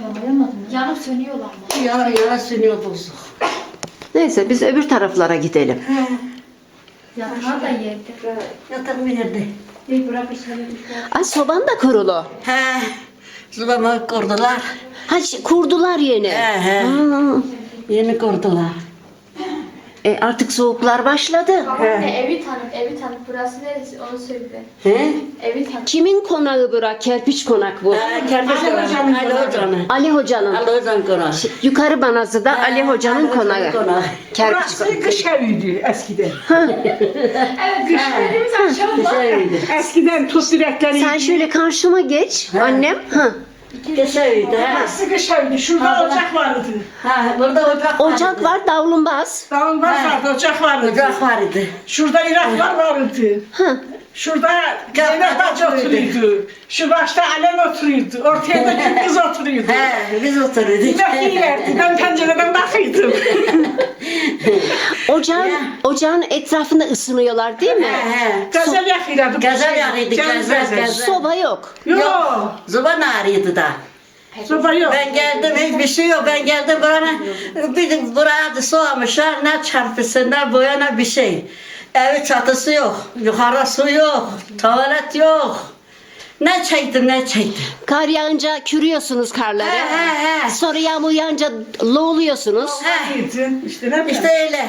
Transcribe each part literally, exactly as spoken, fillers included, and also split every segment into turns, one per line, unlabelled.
Anlayamadım. Yanıp sönüyorlar mı?
Yana yana sönüyor bozuk.
Neyse biz öbür taraflara gidelim.
Yatağı da yerde.
Yatak nerede?
Bir bırak içine düşer.
Ay soban da kurulu.
He. Zıbama kurdular.
Ha şi- kurdular yeni.
He he.
Ha.
Yeni kurdular.
E, artık soğuklar başladı.
Babaanne evi tanıt, evi tanıt. Burası neresi onu söyle.
He?
Evi tanıt.
Kimin konağı bura? Kerpiç konak bu.
He, kerpiç
Ali
konağı.
Hoca'nın
Ali
konağı.
Hoca'nın.
Ali Hoca'nın.
Ali Hoca'nın konağı.
Yukarı Banazı'da
He,
Ali Hoca'nın
Ali Hoca'nın
konağı.
konağı.
Kerpiç
Burası
konak.
kış eviydi eskiden.
Evet, kışlarımız aşağıda.
Güzeldi.
Eskiden tut direkleri.
Sen şöyle karşıma geç annem. Ha.
Güzeldi. He.
Burası kış eviydi. Şurada ocak vardı.
Ha, burada ocak vardı.
Ocak var, davlumbaz.
Davulbaz
He.
vardı, ocak vardı.
Ocak vardı.
Şurada iraklar vardı.
Ha.
Şurada Zeynep Hacı oturuyordu. Şu başta Alen oturuyordu. Ortaya da kim kız oturuyordu.
He, biz oturuyorduk.
Yemek yiyorlardı. Ben pencereden bakıyordum.
Ocağın,
Ya.
ocağın etrafında ısınıyorlar değil mi?
He he.
Gazel yakıyorduk.
Gazel yakıyorduk,
Canım
gazel, gazel.
Soba yok.
Yok.
Zuban ağrıyordu da.
Soba yok.
Ben geldim hiçbir şey yok. Ben geldim buraya bir buraya da soğamışlar. Ne çarpısı ne boya ne bir şey. Evi çatısı yok. Yukarı su yok. Tuvalet yok. Ne çektim ne çektim.
Kar yağınca kürüyorsunuz karları.
He he he.
Sonra yağmur yağınca loğluyorsunuz.
He.
Yedin. İşte ne bileyim.
İşte öyle.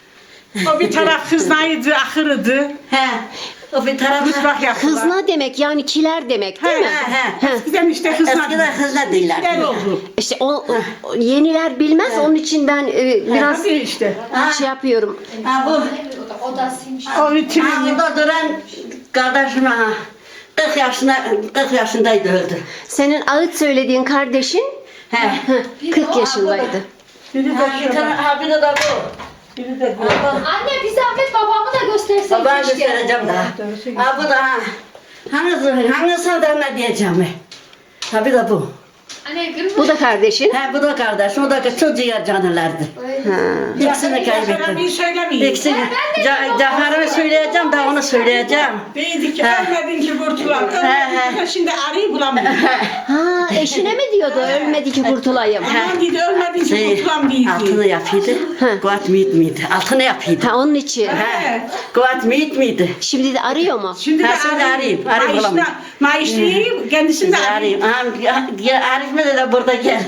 O bir taraf kıznaydı, ahırıdı.
He. O bir tarafı.
Mutfak yaptılar.
Hızna demek yani kiler demek değil
He
mi?
he.
He.
Eskiden işte kıznadı.
Eskiden hızla değiller.
Gel oldu.
İşte o, o yeniler bilmez onun için ben e, biraz
Hadi işte.
Ha.
şey yapıyorum.
Ha bu.
Odasıymış.
O vitrin.
Ha burada duran kardeşim ha. kırk yaşında kırk yaşındaydı öldü.
Senin ağıt söylediğin kardeşin
He.
kırk yaşındaydı.
Biri de
Ha bir tane
şurada.
ha bir de de bu.
Biri de bu.
Ha, bu.
Anne bir zahmet babamı da gösterseydik.
Babana
keşke.
göstereceğim daha. Ha bu da ha. Hangisi, hangisi da ne diyeceğim? Ha bir de bu.
Anne kırmızı.
Bu da kardeşin.
Ha bu da kardeşim, o da çocuğa canlılardı.
Ha.
İkisini
Bir
kaybettim.
söylemeyin.
İkisini. Ca Cafer'imi söyleyeceğim daha onu söyleyeceğim.
Değildi ki
Ha.
ölmedin ki kurtulan.
he.
Ölmedin ki şimdi arayı bulamıyorum.
Ha, eşine mi diyordu ölmedi ki kurtulayım?
Aman dedi ölmedin ki
Şey,
kurtulan değildi.
altını yapıyordu.
Ha.
Kuat miyit miydi? Altını yapıyordu.
Ha onun için.
Ha. Kuat miyit miydi?
Şimdi de arıyor mu?
Şimdi de
Ha, şimdi arayayım, arayayım
Maaşına-
bulamıyorum.
Maaşlıyım, kendisini de
Bizi
arayayım.
arayayım. Aha, ya, Arif mi de burada gel.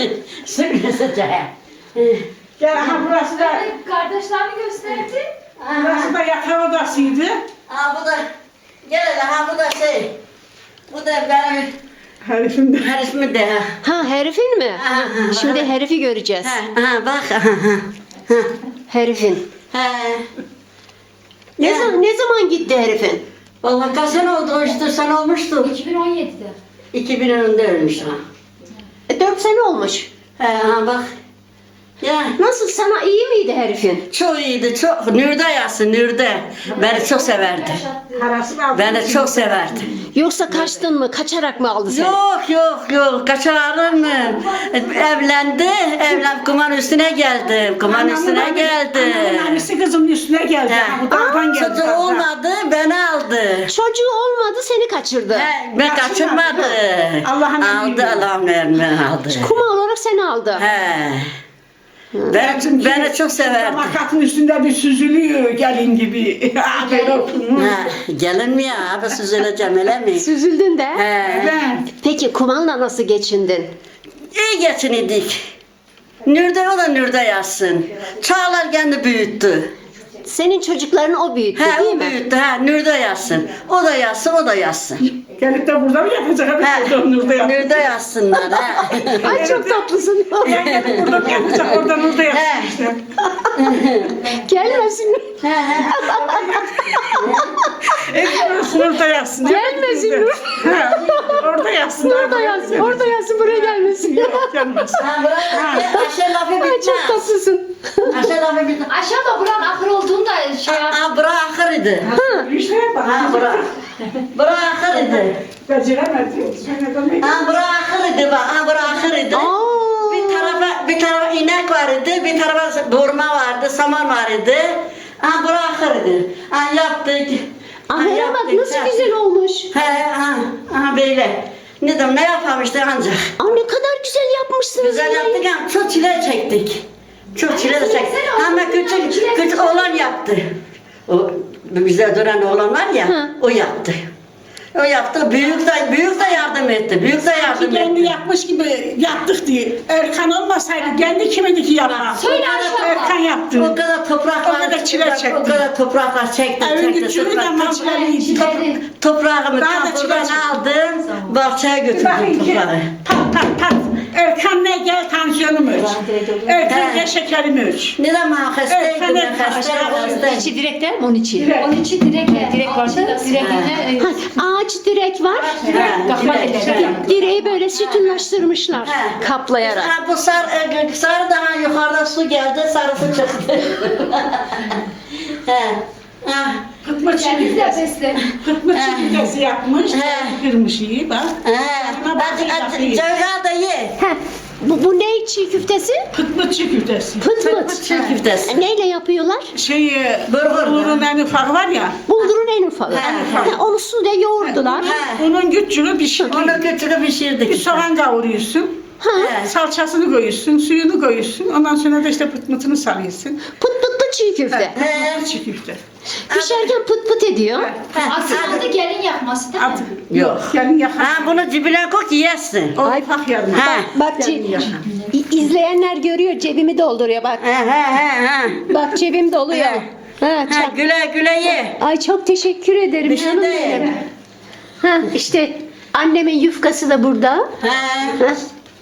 Sürgüsüce.
Gel aha burası da,
Anne kardeşlerini gösterdi.
burası da yatak odasıydı.
Ha bu da gel hele ha bu da şey. Bu da benim
Herifim de.
Arif de ha.
Ha herifin mi?
Ha, ha,
Şimdi herifi göreceğiz.
Ha, ha bak. Ha, ha.
Herifin.
Ha.
Ne,
Ya.
zaman, ne zaman gitti herifin?
Vallahi kaç sene oldu işte sen olmuştu.
iki bin on yedide.
iki bin önünde ölmüş ha.
E, dört sene olmuş.
He ha bak. Ya
Nasıl sana iyi miydi herifin?
çok iyiydi çok. Nürde yazsın Nürde. Beni çok severdi.
Parasını aldım.
Beni çok severdi.
Yoksa kaçtın mı? Kaçarak mı aldı seni?
Yok yok yok kaçarım mı? Evlendi, evlen kuman üstüne geldim. Kuman üstüne geldi.
Anamın annesi kızımın üstüne geldi.
He.
Ha, bu dağdan geldi.
Çocuğu
dağdan.
olmadı, beni aldı.
Çocuğu olmadı seni kaçırdı.
He, ben kaçırmadı.
Allah'ın
aldı,
emriyle.
Allah'ın emriyle aldı.
Kuma olarak seni aldı.
He. Ben, beni çok severdi.
Makatın üstünde bir süzülüyor gelin gibi. Haber olsun.
Ha, gelin mi ya? Abi süzüleceğim öyle mi?
Süzüldün de.
He.
Ben.
Peki kumanla nasıl geçindin?
İyi geçindik. Nürde o da Nürde yazsın. Çağlar kendi büyüttü.
Senin çocuklarını o büyüttü
He
değil
o
mi?
büyüttü. Ha Nürde yazsın. O da yazsın, o da yazsın.
Gelip de burada mı yapacak?
He.
Burada Nur'da yapacak.
Nürde yazsınlar. Ha.
Ay çok tatlısın.
Ben gelip burada mı yapacak? Orada Nur'da yapacak
He.
işte.
Gelmesin.
He, he.
Ekmek Nur'da yazsın.
Gelmesin Nur.
He. Orada yazsın.
Orada yazsın. Orada yazsın. Buraya gelmesin.
Yok gelmez.
Ha bırak. Aşağı lafı
Ay çok
bitmez.
tatlısın.
Aşağı lafı bitmez.
Aşağıda buranın ahır olduğunu da şey yap.
Ha bırak ahırıydı.
İşte bak.
Ha bırak. Bırak ahırıydı.
Beceremedi. Sen demek.
Ha bırak ahırıydı bak. Ha bırak ahırıydı.
Aa.
Bir tarafa bir tarafa inek vardı, bir tarafa burma vardı, saman vardı. Ha bırak ahırıydı. Ha yaptık. Ha,
Ahıra bak
yaptık,
nasıl
yaptık.
güzel olmuş.
He ha ha böyle. Ne dedim ne yapalım işte ancak.
Aa, ne kadar güzel yapmışsınız.
Güzel
yine.
yaptık ama çok çile çektik. Çok çile çektik.
söylesene,
Ama
oğlum,
küçük,
çile
küçük
çekti.
oğlan yaptı. O bize duran oğlan var ya,
Hı.
o yaptı. O yaptı, büyük de, büyük de yardım etti, büyük de yardım
Kendi
etti.
yapmış gibi yaptık diye. Erkan olmasaydı kendi kimidi ki yapmaz.
Söyle Ayşe abla.
Erkan yaptı.
O kadar topraklar,
O kadar çile çekti.
O kadar topraklar çekti,
Evin
çekti.
küçüğü de
Toprak-
maçlarıydı.
Çileri.
Toprağımı
Daha da
tam
çile
buradan
çekti.
aldım, bahçeye götürdüm
Bakın ki
toprağı.
pat pat pat. Erkan ne gel tansiyonum ölç. Erkan
He.
gel şekerim ölç.
Ne zaman hastaydım,
Evet,
ben
evet,
hastaydım,
aşağı-
hastaydım.
İçi direk değil mi? Onun içi.
Direkt.
Onun için direkt.
Direk varsa direkine
Ha, ağaç direk var.
He,
Kapma
direkt.
eller.
Direği böyle sütunlaştırmışlar.
He.
Kaplayarak.
Ha, bu sar, e, sarı daha yukarıda su geldi, sarısı çıktı. He. Ha.
Kıtma
Kendiniz de
çiğdesi.
besle.
Kıtma çiğdesi yapmış.
He.
Kırmış iyi bak.
He.
Buna bak,
Hadi, hadi,
bakayım.
Cevher da ye.
Heh, bu, bu ne çiğ köftesi?
Kıtma çiğdesi.
Pıt
Pıt
pıt.
çiğ köftesi.
E, Neyle yapıyorlar?
Şey,
Bulgur.
bulgurun en ufak var ya.
Buldurun en ufağı.
He.
Ha, onu suyla yoğurdular.
He.
Onun küçüğünü pişirdik.
Onu götürüp
Bir
pişirdik.
soğan kavuruyorsun.
Ha.
He.
Salçasını koyuyorsun, suyunu koyuyorsun. Ondan sonra da işte pıt mıtını sarıyorsun.
Pıt pıtlı çiğ köfte.
He.
Çiğ köfte.
Pişerken pıt pıt ediyor.
Aslında gelin yapması değil mi?
At. Yok. Yani yakın.
Ha, bunu dibine koy ki yesin.
O ufak yarım.
Ha.
Bak ce- İ- izleyenler görüyor, cebimi dolduruyor bak.
He he he he.
Bak cebim doluyor.
He.
Ha,
Ha,
çak.
güle güle ye.
Ay çok teşekkür ederim
Bir şey
canım
değil.
benim. Ha, işte annemin yufkası da burada.
He.
Ha.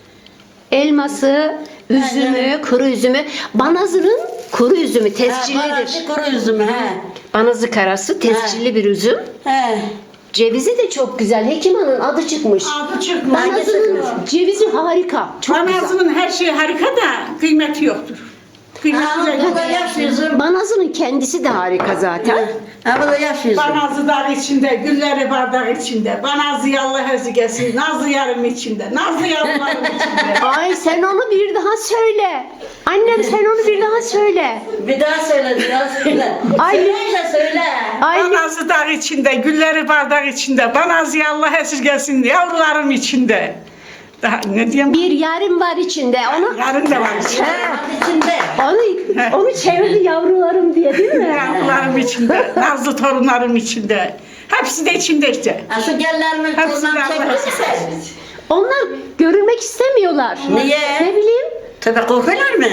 Elması, üzümü, kuru üzümü. Banazı'nın kuru üzümü
Ha,
tescillidir.
kuru üzüm he.
Banazı karası tescilli bir üzüm.
He.
Cevizi de çok güzel. Hekim Hanım'ın adı çıkmış.
Adı çıkmış.
Banazı'nın cevizi harika. Çok güzel.
Banazının her şeyi harika da kıymeti yoktur. Kıymeti
Ha,
de
bu da
yok.
yaş üzüm.
Banazı'nın kendisi de harika zaten.
Ha, bu da yaş üzüm.
Banazı dar içinde, gülleri bardak içinde. Banazı yallah ezgesi, nazlı yarım içinde. Nazlı yarımlarım içinde.
Ay sen onu bir daha söyle. Annem sen onu bir daha söyle.
Bir daha söyle, bir daha söyle.
Ay.
Söyle, söyle.
Ay
Banazı dar içinde, gülleri bardak içinde. Banazı yallah esirgesin, yavrularım içinde. Daha ne diyeyim?
bir yarım var içinde. Onu
Yarın da var içinde.
Bak içinde.
onu onu çevirdi yavrularım diye değil mi?
Yavrularım içinde, nazlı torunlarım içinde. Hepsi de içinde işte.
Ha, şu gellerimi
Hepsi
kolundan
de
çekmesin.
Onlar görülmek istemiyorlar.
Niye?
Ne bileyim.
Tabii korkuyorlar mı?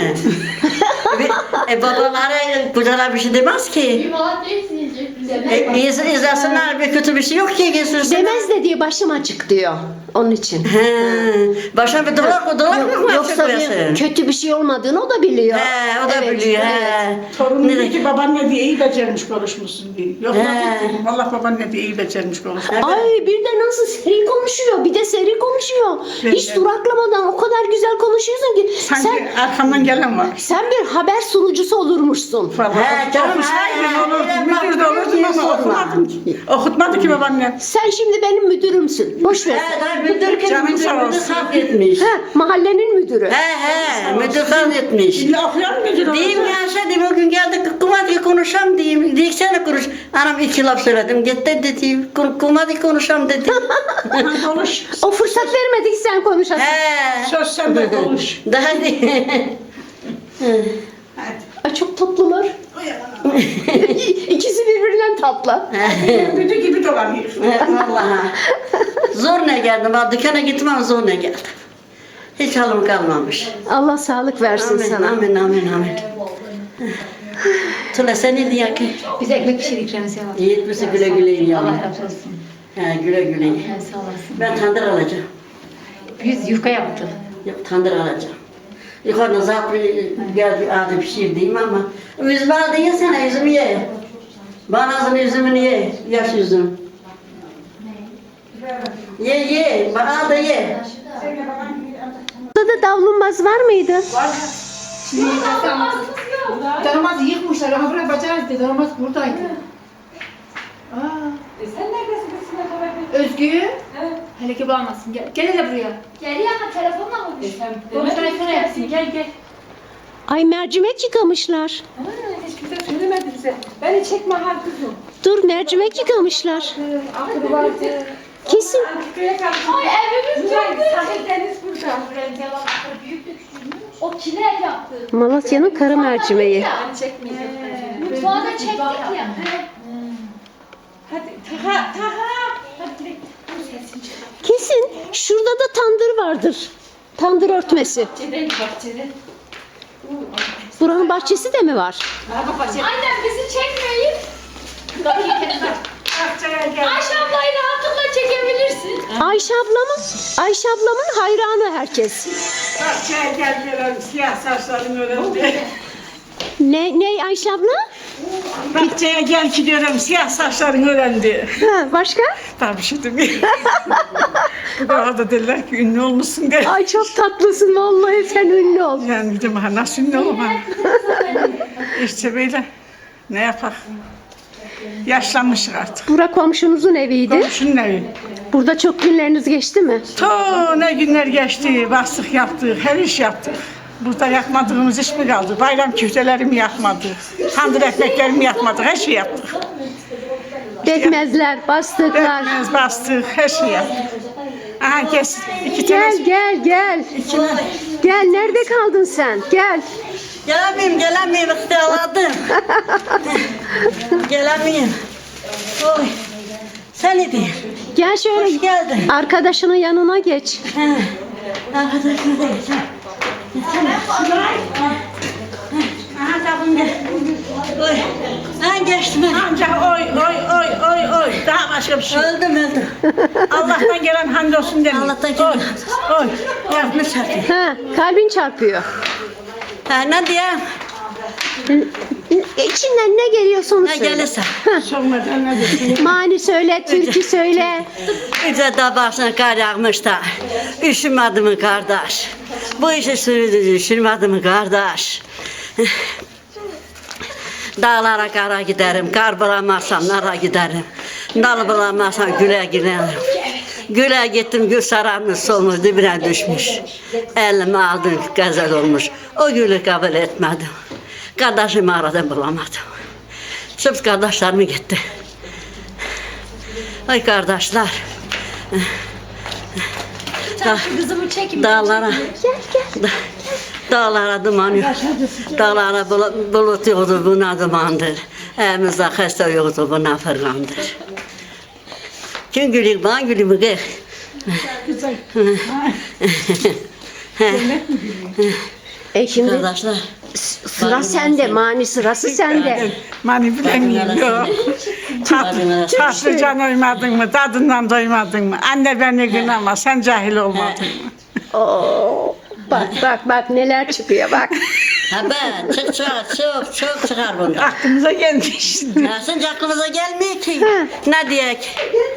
Bir- e, babaları kucalar bir şey demez ki.
Limonat değilsiniz.
E, iz, izlesinler bir kötü bir şey yok ki geçirsinler.
Demez de diye başım açık diyor. Onun için.
He, başına bir dolak dolak mı
Yok,
var
yoksa bir
çıkıyorsun?
kötü bir şey olmadığını o da biliyor.
He, o da
Evet,
biliyor.
evet.
He.
Torunum
Ne
diyor ki
de-
babaanne diye iyi becermiş konuşmuşsun diye. Yok
He.
dedim, Allah babaanne diye iyi becermiş konuşmuş.
Ay bir de nasıl seri konuşuyor. Bir de seri konuşuyor.
Evet,
Hiç
evet.
duraklamadan o kadar güzel konuşuyorsun ki.
Sanki
Sen
arkamdan gelen var.
sen bir haber sunucusu olurmuşsun.
He,
Vallahi
canım,
okusaydım
he,
olurdu,
he,
müdür de
bak,
olurdum
niye
ama
sorma?
okumadım ki. Okutmadı ki babaannem.
Sen şimdi benim müdürümsün. Boş ver.
He, daha müdür ki
Canım
müdür,
sağ
müdür
olsun.
hak etmiş.
Ha, mahallenin müdürü.
He he, müdür hak etmiş.
İlla okuyan müdür
Diyeyim
olacak.
ya şey diyeyim o gün geldik kumadı konuşam diyeyim. Diyek sen konuş. Anam iki laf söyledim. Gitti dedi. Kumadı konuşam dedi.
Ha, konuş.
O fırsat vermedik sen konuşasın.
He.
Söz sende konuş.
Daha değil.
Hadi.
Ay çok tatlılar.
Uyan.
İkisi birbirinden tatlı.
Müdür gibi dolanıyor.
Vallahi. Zor ne geldim. Ben dükkana gittim ama zor ne geldim. Hiç halim kalmamış.
Allah sağlık versin
Amin,
sana.
amin, amin, amin. Tula sen ne diyor ki?
Biz ekmek pişirdik Remzi abi.
Yiğit misin güle güle yiyin.
Allah razı olsun.
He, güle güle yiyin.
He, sağ olasın.
Ben tandır alacağım.
Biz yufka yaptık.
Yok tandır alacağım. Yukarıda zaten biraz bir adı pişirdiğim ama üzümü aldı yesene üzümü ye. Banazın üzümünü ye. Yaş üzüm. Ye ye. Bana da ye.
Burada da davlumbaz var mıydı?
Damat yıkmışlar ama buraya bacağız dedi. Damat buradaydı. Aa.
Sen neredesin?
Özgü. Hele ki bağlamasın. Gel. Gel hele buraya.
Geliyor ama telefonla mı
E,
düştün?
Konuştan ekranı yapsın. Gel gel.
Ay mercimek yıkamışlar.
Aa, hiç kimse söylemedi bize. Beni çekme ha kızım.
Dur mercimek yıkamışlar.
Aklı vardı.
Kesin.
Ay evimiz çok büyük.
Sahil deniz burada.
Büyük de küçülmüş. O kiler yaptı.
Malatya'nın kara mercimeği.
Mutfağı da çektik ya.
Hadi Taha Taha. Hadi direkt.
Kesin şurada da tandır vardır. Tandır örtmesi.
Bahçeden bahçeden.
Buranın bahçesi de mi var?
Araba bahçeden.
Annem bizi çekmeyin.
Bahçeye gel.
Ayşe ablayı rahatlıkla çekebilirsin.
Ayşe ablamın, Ayşe ablamın hayranı herkes.
Bahçeye gel gelelim. Siyah saçların öğrendi.
Ne ne Ayşe abla?
Bahçeye gel ki diyorum siyah saçların öğrendi.
Ha, başka?
Daha bir şey demeyeyim. Bu da da derler ki ünlü olmuşsun diye.
Ay çok tatlısın vallahi, sen ünlü ol.
Yani dedim ha nasıl ünlü oldum ha. İşte böyle ne yapar. Yaşlanmışız artık.
Bura komşunuzun eviydi.
Komşunun evi.
Burada çok günleriniz geçti mi?
To ne günler geçti, bastık yaptık, her iş yaptık. Burada yakmadığımız iş mi kaldı? Bayram küftelerimi yakmadık, tandır ekmeklerimi yakmadık, her şey yaptık.
Bekmezler, bastıklar.
Ekmeğimiz bastık, her şey yaptık. Aha kes, iki
Gel
tane.
gel gel. Gel, nerede kaldın sen? Gel.
Gelemeyim, gelemeyim, ihtiyarladım. Gelemeyim. Oy. Sen ne diyorsun?
Gel şöyle.
Hoş geldin.
Arkadaşının yanına geç.
Ha, arkadaşım da geç. Aha tabii gel. Oy. Ben geçtim.
Ancak oy, oy, oy, oy, oy. Daha başka bir şey.
Öldüm, öldüm.
Allah'tan gelen hamdolsun demeyin.
Allah'tan gelen
Oy, oy.
Yapmış çarpıyor.
Ha, kalbin çarpıyor.
Ha, ne diyeyim?
İçinden ne geliyorsa onu
Ne
söyle.
gelirse.
Sormadan ne desin?
Mani söyle, türkü söyle.
Yüce de başına kar yağmış da. Üşümedi mi kardeş? Bu işi sürdü, üşümedi mi kardeş? Dağlara kara giderim, kar bulamazsam nara giderim. Dal bulamazsam güle giderim. Güle gittim, gül sararmış, solmuş, dibine düşmüş. Elime aldım, gazel olmuş. O gülü kabul etmedim. Kardeşimi aradım, bulamadım. Sırf kardeşlerimi gitti. Ay kardeşler. Da,
Kızımı çekin.
dağlara, da, dağlara duman yok. Dağlara bulut, bulut yoktu, buna dumandır. Evimizde hasta yoktu, buna fırlandır. Kim gülüyor, bana gülüyor mu kız?
Güzel.
E şimdi
Kardeşler.
sıra sende, Mani sırası sende.
Mani bilemiyorum. Yok. Tat, tatlı can oymadın mı? Tadından doymadın mı? Anne beni günahma. Sen cahil olmadın mı?
Oo, bak bak bak neler çıkıyor bak.
Ha ben, çık çık, çok çok çıkar bunda.
Aklımıza gelmiş.
Ya sence aklımıza gelmiyor ki.
Ha.
Ne diyek?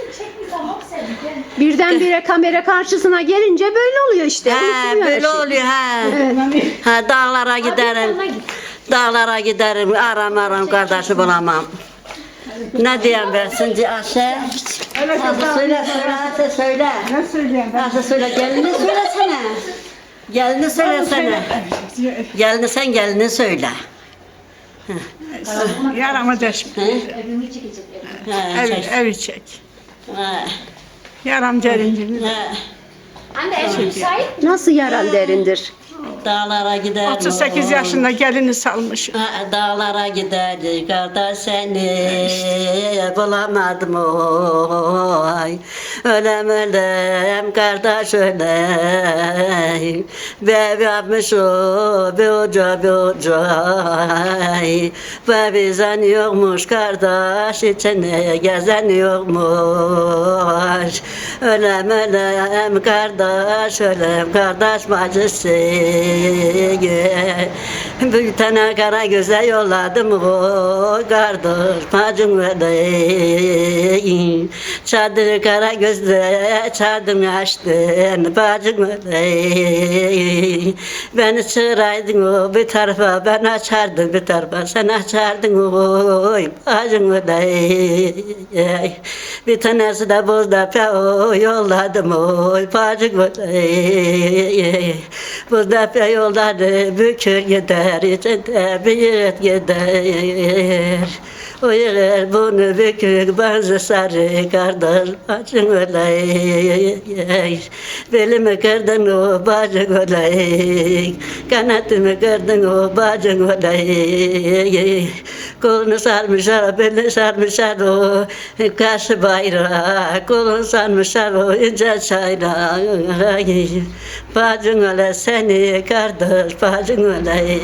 Birdenbire kamera karşısına gelince böyle oluyor işte.
Ha,
unutuluyor her
böyle
şey.
oluyor ha.
Evet.
Ha, dağlara giderim. Dağlara giderim, aram aram kardeşi bulamam. Ne diyeyim ben şimdi Ayşe?
Evet,
Ayşe söyle söyle Ayşe söyle.
ne söyleyeyim ben?
Ayşe söyle gelini söylesene. Gelini söylesene. Gelini sen gelini söyle.
Yarama deşme.
Ha,
Ev,
çek.
evi çek.
Ha,
Yaram derincini.
ha.
Anne ev müsait.
Nasıl yaran derindir?
Dağlara giderim.
otuz sekiz yaşında gelini salmış.
Ha, dağlara giderdik kardeş seni bulamadım oy. Ölem ölem kardeş ölem. Be yapmış o be hoca be hoca. Be bizden yokmuş kardeş içine gezen yokmuş. Ölem ölem kardeş ölem kardeş bacısı. Bir tane kara göze yolladım o kardeş bacım öyle. Çadır kara gözle çadım açtın bacım öyle. Beni çığıraydın o bir tarafa ben açardım bir tarafa sen açardın oy bacım öyle. Bir tanesi de bozda pe o yolladım oy bacım öyle. Bu tepe yolları bükür gider, içinde bir yiğit gider. O yer bunu bükük bazı sarı kardeş bacın olay. Belimi kırdın o bacın olay. Kanatımı kırdın o bacın olay. Kolunu sarmışlar, belini sarmışlar o kaşı bayrağı. Kolunu sarmışlar o ince çayrağı. Bacın olay seni kardeş bacın olay.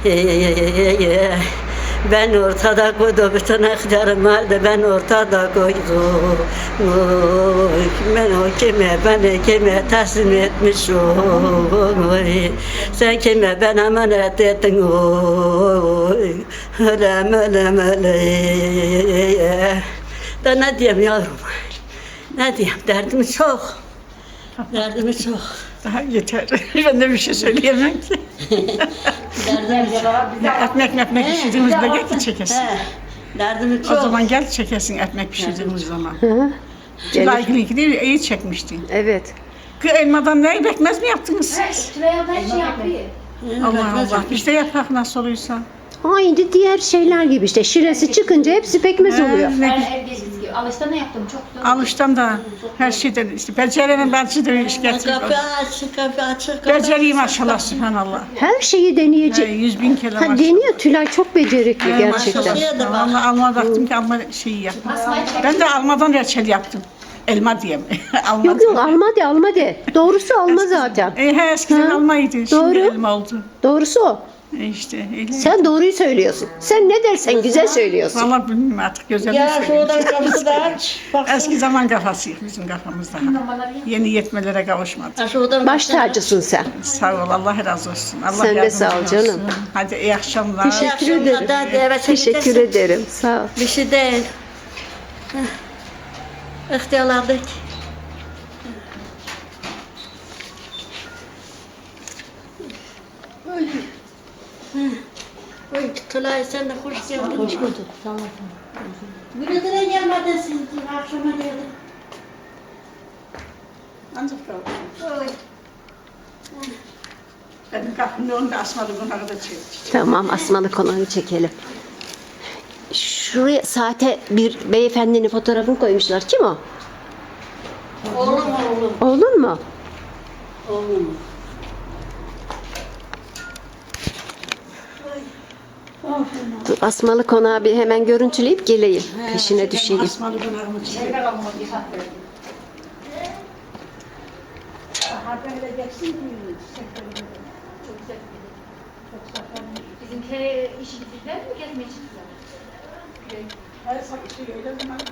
Ben ortada koydum, bütün aktarım vardı, ben ortada koydum. Oy, ben o kime, beni kime teslim etmişim. Oy, sen kime ben emanet ettin, oy. Ölem, ölem, ölem. Da ne diyeyim yavrum, ne diyeyim, derdimi çok, derdimi çok.
Daha yeter. Ben de bir şey söyleyemem ki.
Derdimi çok.
Ekmek ekmek pişirdiğimizde gel ki çekesin.
He, derdimi
O
çok.
zaman gel çekesin ekmek pişirdiğimiz zaman.
Hı hı.
Tülay Gül'ünki değil, iyi çekmiştin.
Evet.
Kız elmadan ne bekmez mi yaptınız siz?
Tülay abla her şey yapıyor.
Allah Allah. Biz de yapak nasıl oluyorsa.
Aynı diğer şeyler gibi işte. Şiresi çıkınca hepsi pekmez oluyor.
He,
Ben
ne-
evde gibi. Alışta ne yaptım çok güzel.
Alıştan da her şeyden işte beceremem ben size iş
Kapı
getirdim.
açık, kapı açık.
Becereyim maşallah subhanallah.
Her şeyi
He,
deneyecek.
yüz bin kere
Ha,
maşallah.
deniyor Tülay çok becerikli
He,
gerçekten.
maşallah. Vallahi alma baktım ki alma şeyi yap.
Asmayı çek.
Ben de almadan reçel yaptım. Elma diyeyim. alma
Yok yok alma de alma de. Doğrusu alma zaten.
E, he, eskiden
Ha,
almaydı. Şimdi
doğru.
elma oldu.
Doğrusu o.
E, işte öyle.
Sen doğruyu söylüyorsun. Sen ne dersen güzel söylüyorsun.
Vallahi bilmiyorum artık güzel
Ya
mi
şuradan
söyleyeyim.
kapısı da aç. Bak.
Eski zaman kafasıyız bizim kafamızda. Yeni yetmelere kavuşmadık.
Ha, şuradan
Baş tacısın sen.
Sağ ol, Allah razı olsun. Allah
Sen de
yardımcın
sağ ol
olsun.
canım.
Hadi iyi akşamlar.
Teşekkür ederim.
Hadi eve
Teşekkür
çekeceksin.
ederim. Sağ ol.
Bir şey değil. Heh. İhtiyarladık. Oy. Heh. Oy, Tülay sen de hoş geldin. Hoş bulduk. Sağ olun. Bugüne gelmedin siz akşama geldin.
Ancak kavuşmuş.
Oy.
Benim kapımın önünde asmalı bunları da çektik.
Tamam asmalı konuyu çekelim. Şuraya saate bir beyefendinin fotoğrafını koymuşlar. Kim o?
Oğlum oğlum.
Oğlun mu?
Oğlum.
Dur, asmalı konağı bir hemen görüntüleyip geleyim. Peşine düşeyim.
Asmalı bunları çektik.
Bizimkileri işi bitirdiler mi? Gezmeye çıktılar.
Her sabah şey öyle zaman